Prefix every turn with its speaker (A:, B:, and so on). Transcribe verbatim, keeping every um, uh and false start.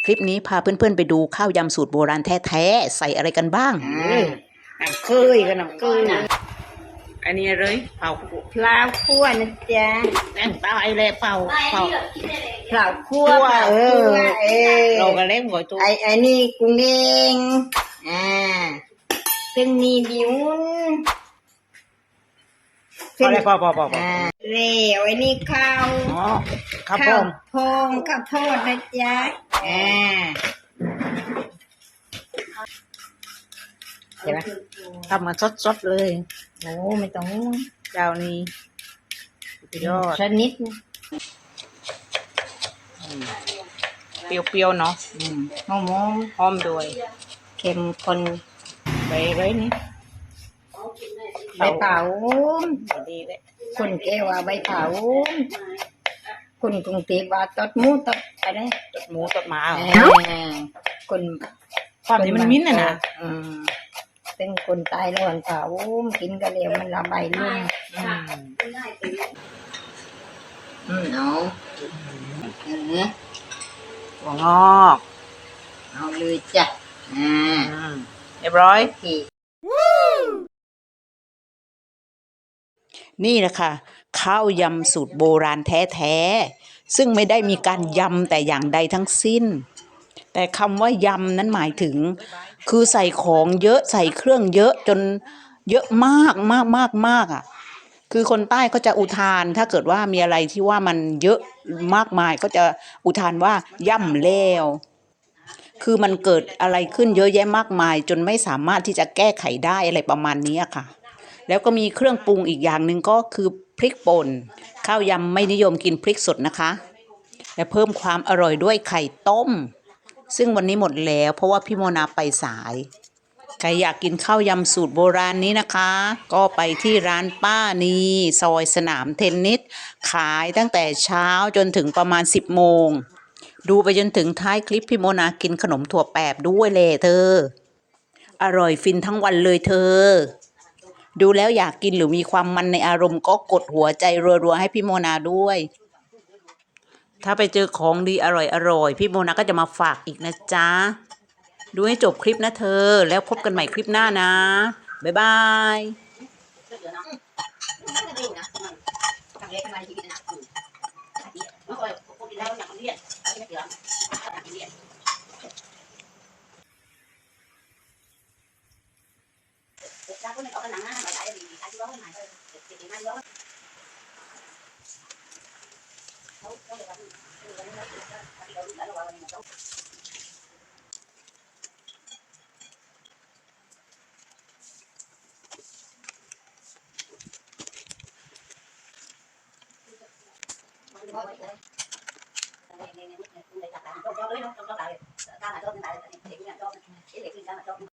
A: คลิปนี้พาเพื่อนๆไปดูข้าวยำสูตรโบราณแท้ๆใส่อะไรกันบ้าง
B: น้ำเคยกับน้ำเคยอันนี้เลยเผา
C: เผาคั่วนะจ๊ะ
B: แป้งเปล่าไอ้แร่เผาเผา
C: เผาคั่ว
B: เออ
C: เออ
B: เราก็เล่นหัวตัว
C: ไอ้ไอ้นี่กุ้งเองอ่าเส้นนี้บิว
B: พอแล้วพอพอพอ
C: อ่าเร็วไอ้นี่ข้าว
B: อ๋อข้าวโพ
C: ดข้าวโพดนะจ๊ะอ่า
B: ใช่ไหมทำมาสดๆเลย
C: โอ้ไม่ต้อง
B: เจ้านี้ยอด
C: ชนิด
B: เปรี้ยวๆเนาะ
C: หอม
B: หอมด้วย
C: เข้มข้น
B: ไปเลยนี่
C: ใบเผา
B: ดีเลย
C: คนแก้ว่าใบเผาคนกรุงเทพว่าตดหมูตดอะไร
B: ตดหมูตดหมา
C: คน
B: ความที่มันมิ้นท์น่ะนะ
C: เป็นคนตายแล้วหันเผากินกระเหลวมันระบายลุ่มอืมเอาเออ
B: หัวงอก
C: เอาเลยจ้ะอ่า
B: เรียบร้อย
A: นี่แหละค่ะข้าวยำสูตรโบราณแท้ๆซึ่งไม่ได้มีการยำแต่อย่างใดทั้งสิ้นแต่คำว่ายำนั้นหมายถึงคือใส่ของเยอะใส่เครื่องเยอะจนเยอะมากมากมากมากอ่ะคือคนใต้เขาจะอุทานถ้าเกิดว่ามีอะไรที่ว่ามันเยอะมากมายก็จะอุทานว่าย่ำแล้วคือมันเกิดอะไรขึ้นเยอะแยะมากมายจนไม่สามารถที่จะแก้ไขได้อะไรประมาณนี้ค่ะแล้วก็มีเครื่องปรุงอีกอย่างหนึ่งก็คือพริกป่นข้าวยำไม่นิยมกินพริกสดนะคะและเพิ่มความอร่อยด้วยไข่ต้มซึ่งวันนี้หมดแล้วเพราะว่าพี่โมนาไปสายใครอยากกินข้าวยำสูตรโบราณนี้นะคะก็ไปที่ร้านป้านีซอยสนามเทนนิสขายตั้งแต่เช้าจนถึงประมาณสิบโมงดูไปจนถึงท้ายคลิปพี่โมนากินขนมถั่วแปบด้วยเลยเธออร่อยฟินทั้งวันเลยเธอดูแล้วอยากกินหรือมีความมันในอารมณ์ก็กดหัวใจรัวๆให้พี่โมนาด้วยถ้าไปเจอของดีอร่อยๆพี่โมนาก็จะมาฝากอีกนะจ๊ะดูให้จบคลิปนะเธอแล้วพบกันใหม่คลิปหน้านะบ๊ายบาย